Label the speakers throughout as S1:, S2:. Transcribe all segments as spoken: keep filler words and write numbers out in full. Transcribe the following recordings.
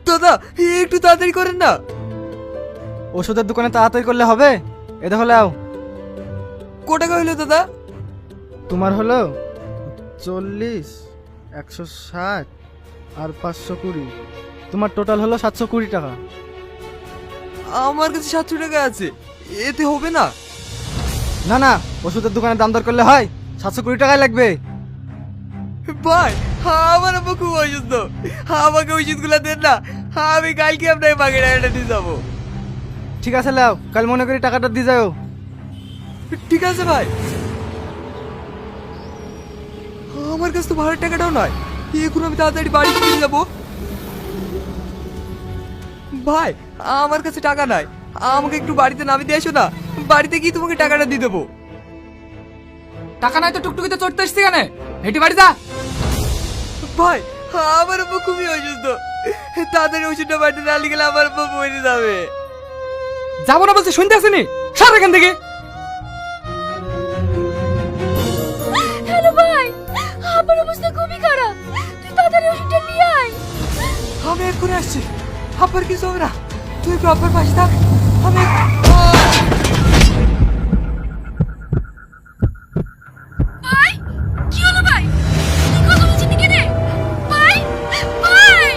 S1: দাদা একটু তাড়াতাড়ি করেন না।
S2: ওষুধের দোকানে তাড়াতাড়ি করলে হবে? এ দেখো লাও।
S1: কো টাকা হইলো দাদা?
S2: তোমার হলো চল্লিশ, একশো ষাট আর পাঁচশো কুড়ি। তোমার টোটাল হলো সাতশো কুড়ি টাকা।
S1: আমার কাছে সাতশো টাকা আছে, এতে হবে না?
S2: না না, ওষুধের দোকানে দাম দর করলে হয়, সাতশো কুড়ি টাকাই লাগবে।
S1: ভাই আমার আব্বা খুব অসুস্থ, আমাকে ওষুধগুলো দেন না, আমি কালকে আপনাকে বাকি টাকাটা দিয়ে যাবো।
S2: ঠিক আছে লাও, কাল মনে করি টাকাটা দিয়ে যাও।
S1: ঠিক আছে ভাই। আমার কাছে তো ভাড়ার টাকাটাও নয়, এখন আমি তাড়াতাড়ি বাড়ি ফিরে যাবো। ভাই আমার কাছে টাকা নাই, আমাকে একটু বাড়িতে নামিয়ে দিয়ে এসো না, বাড়িতে গিয়ে তোমাকে টাকাটা দিয়ে দেবো।
S3: টাকা নাই তো টুকটুকিতে চড়তে এসছি কেন? হেঁটে বাড়ি যা।
S1: ভাই আমার আব্বা খুবই অসুস্থ, তাড়াতাড়ি ওষুধটা বাড়িতে না নিয়ে গেলে আমার আব্বা মরে যাবে।
S3: যাবো না বলছে, শুনতে আসেনি? সর এখান থেকে।
S4: হ্যালো ভাই, আমার অবস্থা খুবই খারাপ, তুই তাড়াতাড়ি ওষুধটা নিয়ে আয়।
S1: আমি এক্ষুনি আসছি, আব্বার কিছু হবে না, তুই একটু আব্বার পাশে থাক। আমি
S4: ভাই কি হলো ভাই? তুই কথা বলছিস কি রে? ভাই ভাই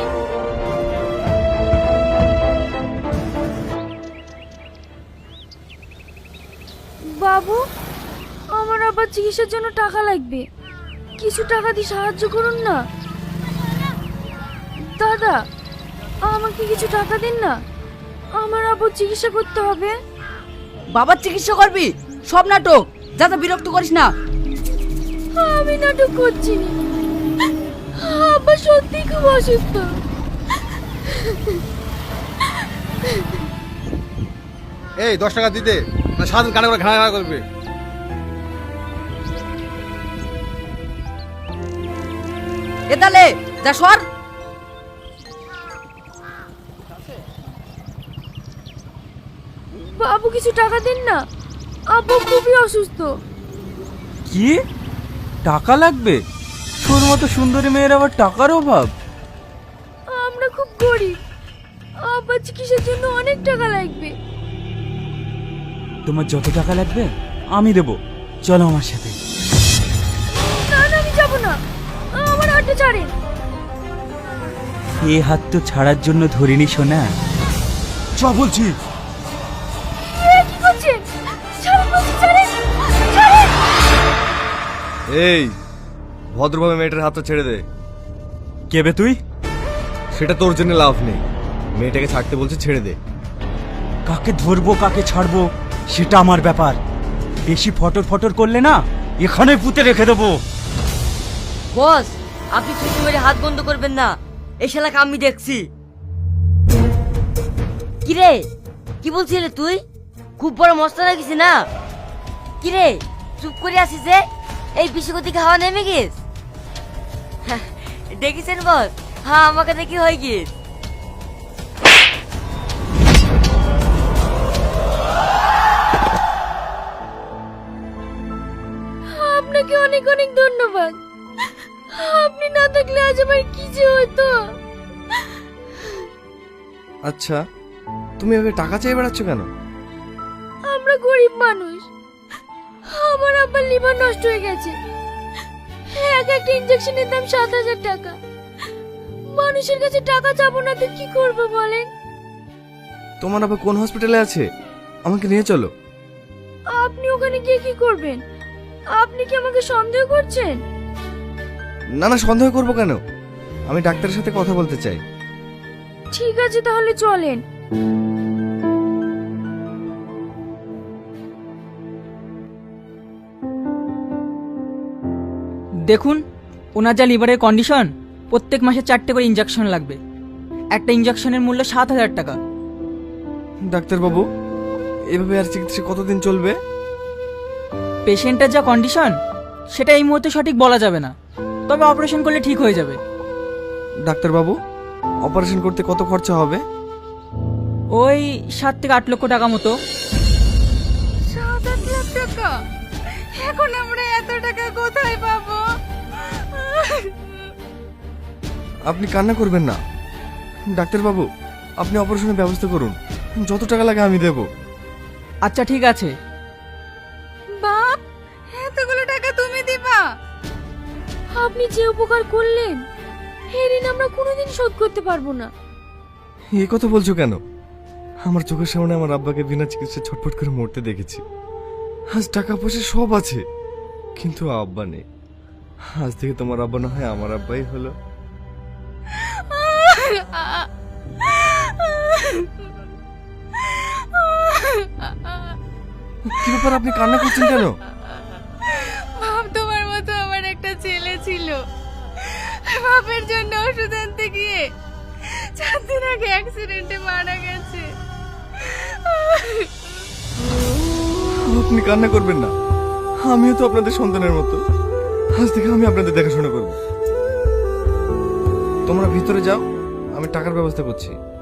S4: বাবু, আমার আবার চিকিৎসার জন্য টাকা লাগবে, কিছু টাকা দিয়ে সাহায্য করুন না। দাদা আমাকে কিছু টাকা দিন না, আমার আবার চিকিৎসা করতে হবে।
S5: বাবার চিকিৎসা করবি? সব নাটক, যাতে বিরক্ত করিস না।
S4: আমি নাটক করছি না, আব্বা সত্যি খুব অসুস্থ।
S6: এই দশ টাকা দিতে না, সারাদিন কানে করে ঘাড়া ঘাড়া করবে।
S5: এ তালে যা সর।
S4: বাবু কিছু টাকা দিন না, আব্বু খুবই অসুস্থ।
S1: কি টাকা লাগবে? তোর মতো সুন্দরী মেয়ের আবার টাকার অভাব?
S4: আমরা খুব গরিব, আব্বার চিকিৎসার জন্য অনেক টাকা লাগবে।
S1: তোমার যত টাকা লাগবে আমি দেবো, চলো আমার সাথে।
S4: না না আমি যাব না, আমার হাতটা ছাড়েন।
S1: এ হাত তো ছাড়ার জন্য ধরিনি সোনা, চ বলছি।
S4: এ কি করছেন? ছাড়েন বলছি, ছাড়েন ছাড়েন।
S6: এই ভদ্রভাবে মেয়েটার হাতটা ছেড়ে দে।
S1: কেবে তুই?
S6: সেটা তোর জন্য লাভ নেই, মেয়েটাকে ছাড়তে বলছে, ছেড়ে দে।
S1: কাকে ধরবো কাকে ছাড়বো সেটা আমার ব্যাপার, বেশি ফটর ফটর করলে না এখানে পুঁতে রেখে দেবো।
S5: বস, আপনি চুক্তি মেরে হাত বন্ধ করবেন না, এই শালাকে আমি দেখছি। কিরে কি বলছিলে তুই? খুব বড় মস্ত লাগিস না? কিরে চুপ করে আসিস যে? এই বিশ্বগতি খাওয়া নেমে গেছ? দেখেছেন বস, হ্যাঁ আমাকে দেখি হয়ে গিয়েছ।
S4: আপনাকে অনেক অনেক ধন্যবাদ, আপনি না থাকলে আজ আমার কি যে হতো।
S6: আচ্ছা, তুমি এভাবে টাকা চেয়ে বেড়াচ্ছ কেন?
S4: আমরা গরিব মানুষ, আমার আব্বার লিভার নষ্ট হয়ে গেছে, এক একটা ইনজেকশনের দাম সাত হাজার টাকা। মানুষের কাছে টাকা চাবো না তো কি করবো বলেন?
S6: তোমার আবার কোন হসপিটালে আছে? আমাকে নিয়ে চলো।
S4: আপনি ওখানে গিয়ে কি করবেন? আপনি কি আমাকে সন্দেহ করছেন?
S6: না না, সন্দেহ করবো কেন, আমি ডাক্তারের সাথে কথা বলতে চাই।
S4: ঠিক আছে তাহলে চলেন।
S3: দেখুন, ওনার যা লিভারের কন্ডিশন, প্রত্যেক মাসে চারটে করে ইঞ্জেকশন লাগবে। একটা ইঞ্জেকশনের মূল্য সাত হাজার টাকা।
S6: ডাক্তারবাবু, এভাবে আর চিকিৎসা কতদিন চলবে?
S3: পেশেন্টের যা কন্ডিশন সেটা এই মুহূর্তে সঠিক বলা যাবে না, তবে অপারেশন করলে ঠিক হয়ে যাবে।
S6: ডাক্তারবাবু, অপারেশন করতে কত খরচা হবে?
S3: ওই সাত থেকে আট লক্ষ টাকা মতো।
S4: সাত আট লাখ টাকা? এখন আমরা এত টাকা কোথায় পাবো?
S6: আপনি কান্না করবেন না, ডাক্তারবাবু, আপনি অপারেশনের ব্যবস্থা করুন, যত টাকা লাগে আমি দেব।
S3: আচ্ছা ঠিক আছে।
S4: বাপ, এতগুলো টাকা তুমি দিবা? আপনি যে উপকার করলেন এর ঋণ আমরা কোনোদিন শোধ করতে পারবো না।
S6: এই কথা বলছো কেন? আমার চোখের সামনে আমার আব্বাকে বিনা চিকিৎসায় ছটফট করে মরতে দেখেছি। আজ টাকা পয়সা সব আছে, কিন্তু আব্বা নেই। আজ থেকে তোমার আব্বা না হয় আমার আব্বাই হলো। কি ব্যাপার, আপনি কান্না করছেন কেন?
S4: বাপ, তোমার মতো আমার একটা ছেলে ছিল, বাপের জন্য ওষুধ আনতে গিয়ে চার দিন আগে অ্যাক্সিডেন্টে মারা গেছে।
S6: আপনি কান্না করবেন না, আমিও তো আপনাদের সন্তানের মতো। আজ থেকে আমি আপনাদের দেখাশোনা করব। তোমরা ভিতরে যাও, আমি টাকার ব্যবস্থা করছি।